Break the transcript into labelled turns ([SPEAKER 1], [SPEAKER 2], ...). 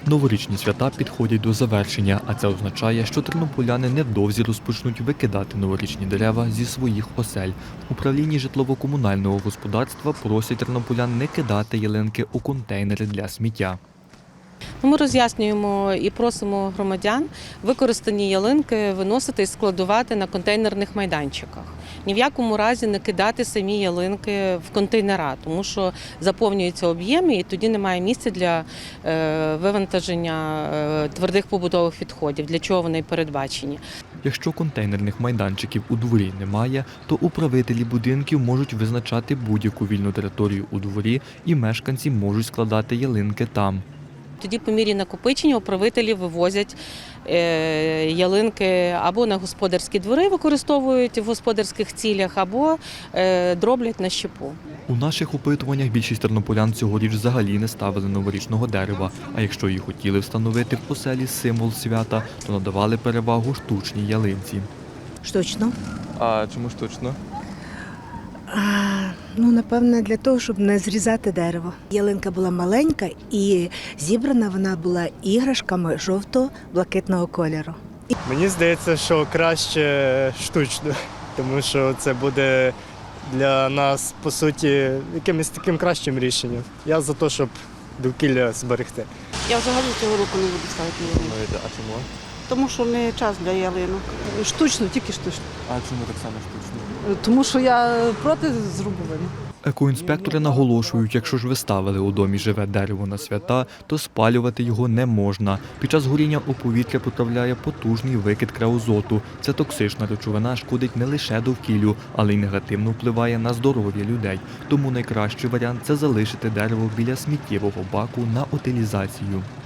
[SPEAKER 1] Новорічні свята підходять до завершення, а це означає, що тернополяни невдовзі розпочнуть викидати новорічні дерева зі своїх осель. В управлінні житлово-комунального господарства просять тернополян не кидати ялинки у контейнери для сміття.
[SPEAKER 2] Ми роз'яснюємо і просимо громадян використані ялинки виносити і складувати на контейнерних майданчиках. Ні в якому разі не кидати самі ялинки в контейнера, тому що заповнюються об'єми і тоді немає місця для вивантаження твердих побутових відходів, для чого вони й передбачені.
[SPEAKER 1] Якщо контейнерних майданчиків у дворі немає, то управителі будинків можуть визначати будь-яку вільну територію у дворі і мешканці можуть складати ялинки там.
[SPEAKER 2] Тоді по мірі накопичення управителі вивозять ялинки або на господарські двори, використовують в господарських цілях, або дроблять на щепу.
[SPEAKER 1] У наших опитуваннях більшість тернополян цьогоріч взагалі не ставили новорічного дерева, а якщо і хотіли встановити в оселі символ свята, то надавали перевагу штучній ялинці.
[SPEAKER 3] Штучно.
[SPEAKER 4] А чому штучно?
[SPEAKER 3] Напевне, для того, щоб не зрізати дерево. Ялинка була маленька і зібрана вона була іграшками жовто-блакитного кольору.
[SPEAKER 5] Мені здається, що краще штучно, тому що це буде для нас, по суті, якимось таким кращим рішенням. Я за те, щоб довкілля зберегти.
[SPEAKER 6] Я взагалі цього року не буду ставити ялинку,
[SPEAKER 4] Думаєте, а чому?
[SPEAKER 6] тому що не час для ялинок.
[SPEAKER 7] Штучно, тільки штучно.
[SPEAKER 4] А чому так само штучно?
[SPEAKER 7] Тому що я проти зрубування.
[SPEAKER 1] Екоінспектори наголошують, якщо ж ви ставили у домі живе дерево на свята, то спалювати його не можна. Під час горіння у повітря потрапляє потужний викид креозоту. Це токсична речовина шкодить не лише довкіллю, але й негативно впливає на здоров'я людей. Тому найкращий варіант – це залишити дерево біля сміттєвого баку на утилізацію.